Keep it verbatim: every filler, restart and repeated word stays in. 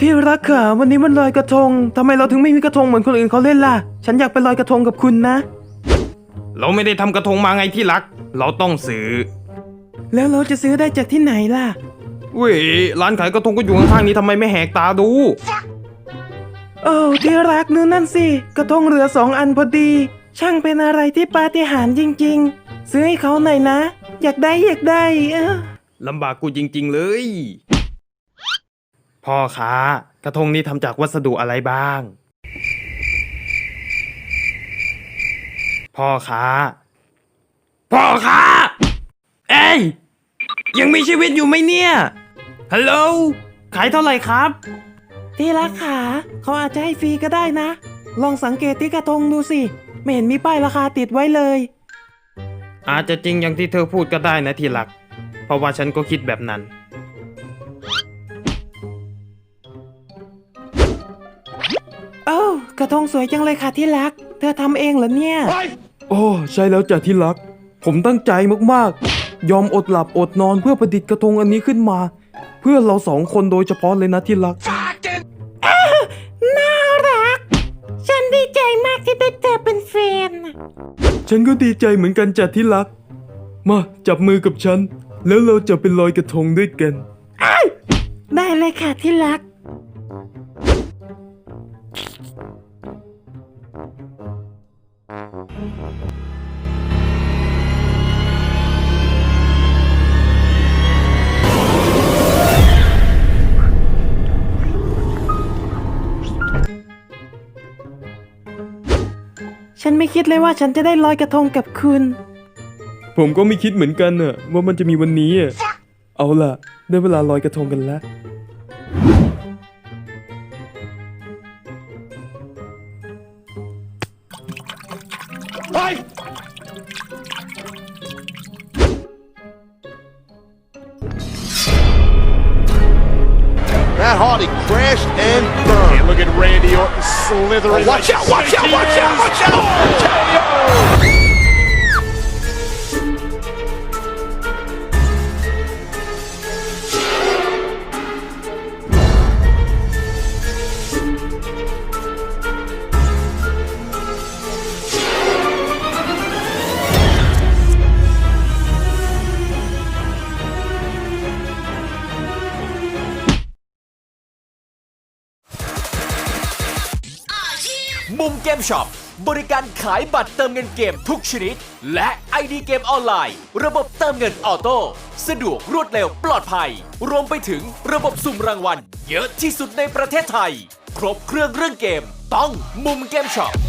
ที่รักค่ะวันนี้มันลอยกระทงทำไมเราถึงไม่มีกระทงเหมือนคนอื่นเขาเล่นล่ะฉันอยากไปลอยกระทงกับคุณนะเราไม่ได้ทำกระทงมาไงที่รักเราต้องซื้อแล้วเราจะซื้อได้จากที่ไหนล่ะเว้ยร้านขายกระทงก็อยู่ข้างๆนี้ทำไมไม่แหกตาดูโอ้ที่รักนู่นนั่นสิกระทงเหลือสองอันพอดีช่างเป็นอะไรที่ปาฏิหาริย์จริงๆซื้อให้เขาหน่อยนะอยากได้อยากได้เออลำบากกูจริงๆเลยพ่อค้ากระทงนี้ทำจากวัสดุอะไรบ้างพ่อค้าพ่อค้าเอ้ยยังมีชีวิตอยู่ไหมเนี่ยฮัลโหลขายเท่าไหร่ครับที่รักขาเขาอาจจะให้ฟรีก็ได้นะลองสังเกตที่กระทงดูสิไม่เห็นมีป้ายราคาติดไว้เลยอาจจะจริงอย่างที่เธอพูดก็ได้นะที่รักเพราะว่าฉันก็คิดแบบนั้นโอ้กระทงสวยจังเลยค่ะที่รักเธอทำเองเหรอเนี่ยโอ้ใช่แล้วจ้ะที่รักผมตั้งใจมากๆยอมอดหลับอดนอนเพื่อประดิษฐ์กระทงอันนี้ขึ้นมาเพื่อเราสองคนโดยเฉพาะเลยนะที่รักน่ารักฉันดีใจมากที่ได้เธอเป็นแฟนฉันก็ดีใจเหมือนกันจ้ะที่รักมาจับมือกับฉันแล้วเราจะไปลอยกระทงด้วยกันได้เลยค่ะที่รักฉันไม่คิดเลยว่าฉันจะได้ลอยกระทงกับคุณผมก็ไม่คิดเหมือนกันน่ะว่ามันจะมีวันนี้อ่ะเอาล่ะได้เวลาลอยกระทงกันแล้วไป Matt Hardy crashed and burned. And look at Randy Orton slithering. Oh, watch out, watch out, watch out, watch out! K O! มุมเกมช็อปบริการขายบัตรเติมเงินเกมทุกชนิดและ ไอ ดี เกมออนไลน์ระบบเติมเงินออโต้สะดวกรวดเร็วปลอดภัยรวมไปถึงระบบสุ่มรางวัลเยอะที่สุดในประเทศไทยครบเครื่องเรื่องเกมต้องมุมเกมช็อป